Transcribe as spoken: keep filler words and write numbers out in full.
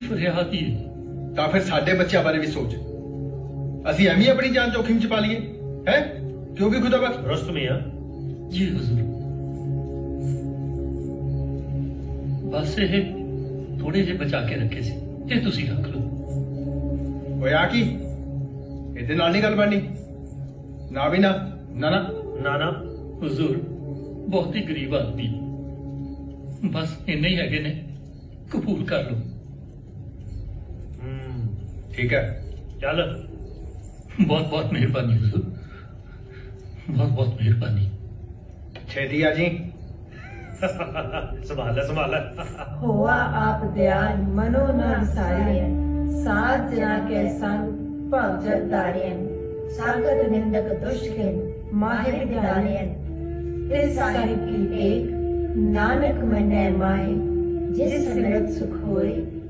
ਫਰਿਆਦ ਹੀ ਤਾਂ ਫਿਰ ਸਾਡੇ ਬੱਚਿਆਂ ਬਾਰੇ ਵੀ ਸੋਚ। ਅਸੀਂ ਐਵੇਂ ਆਪਣੀ ਜਾਨ जोखिम ਚ ਪਾ ਲਈਏ ਹੈ? क्यों भी खुदा बख्श। दुरुस्त मियां। ਜੀ हुजूर। बस ये थोड़े जे बचा के रखे सी, ये तुसी रख लो। ओए आ की ਇਹਦੇ ਨਾਲ ਨਹੀਂ ਗੱਲ ਬਣਨੀ। ਨਾ ਵੀ ਨਾ ਨਾ ਨਾ ना ना हुजूर बहुत ही गरीब आदमी, बस इन्ने ही हैगे ने, कबूल कर लो। हम्म, ठीक है। चल। बहुत बहुत मेहरबानी हुजूर, बहुत बहुत मेहरबानी। छेती आ जी। संभाल ले संभाल ले। होआ आप दयाल मनो न विसारियन, साथ जना के संग भव जगदारियन, सागत निंदक दुष्टन माहे विद्यालयन, इस साहिब की टेक नानक मन्ने माहे, जिस सिमरत सुख होए